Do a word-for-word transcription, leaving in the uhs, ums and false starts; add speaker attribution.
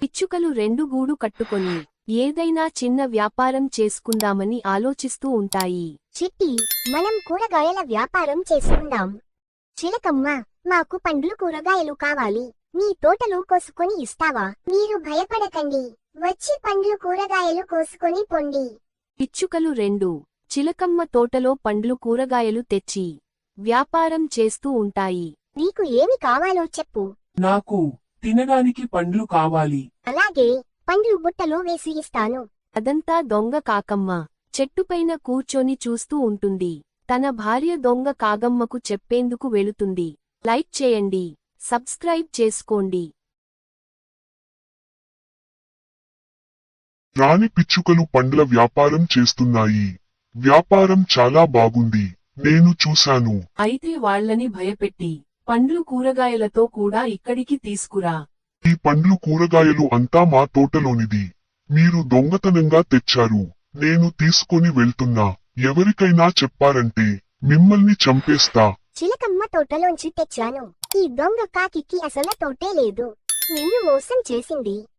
Speaker 1: పిచ్చుకలు రెండు గూడు కట్టుకొని ఏదైనా చిన్న వ్యాపారం చేసుకుందామని ఆలోచిస్తూ ఉంటాయి.
Speaker 2: చిట్టి, మనం కూరగాయల వ్యాపారం చేసుకుందాం. చిలకమ్మ, మాకు పండ్లు కూరగాయలు కావాలి. నీ తోటలో కోసుకొని ఇస్తావా? మీరు భయపడకండి, వచ్చి పండ్లు కూరగాయలు కోసుకొని పొండి.
Speaker 1: పిచ్చుకలు రెండు చిలకమ్మ తోటలో పండ్లు కూరగాయలు తెచ్చి వ్యాపారం చేస్తూ ఉంటాయి.
Speaker 2: నీకు ఏమి కావాలో చెప్పు.
Speaker 3: నాకు తినడానికి పండ్లు కావాలి.
Speaker 2: అలాగే, పండ్లు బుట్టలో వేసి ఇస్తాను.
Speaker 1: అదంతా దొంగ కాకమ్మ చెట్టుపైన కూర్చొని చూస్తూ ఉంటుంది. తన భార్య దొంగ కాగమ్మకు చెప్పేందుకు వెళుతుంది. లైక్ చేయండి, సబ్స్క్రైబ్ చేసుకోండి.
Speaker 4: రాణి పిచ్చుకలు పండ్ల వ్యాపారం చేస్తున్నాయి. వ్యాపారం చాలా బాగుంది, నేను చూశాను.
Speaker 3: అయితే వాళ్ళని భయపెట్టి పండ్లు కూరగాయలతో కూడా ఇక్కడికి తీసుకురా.
Speaker 4: ఈ పండ్లు కూరగాయలు అంతా మా తోటలోనిది. మీరు దొంగతనంగా తెచ్చారు. నేను తీసుకొని వెళ్తున్నా. ఎవరికైనా చెప్పారంటే మిమ్మల్ని చంపేస్తా.
Speaker 2: చిలకమ్మ తోటలోంచి తెచ్చాను. ఈ దొంగ కాకికి అసలు తోటే లేదు. నిన్ను మోసం చేసింది.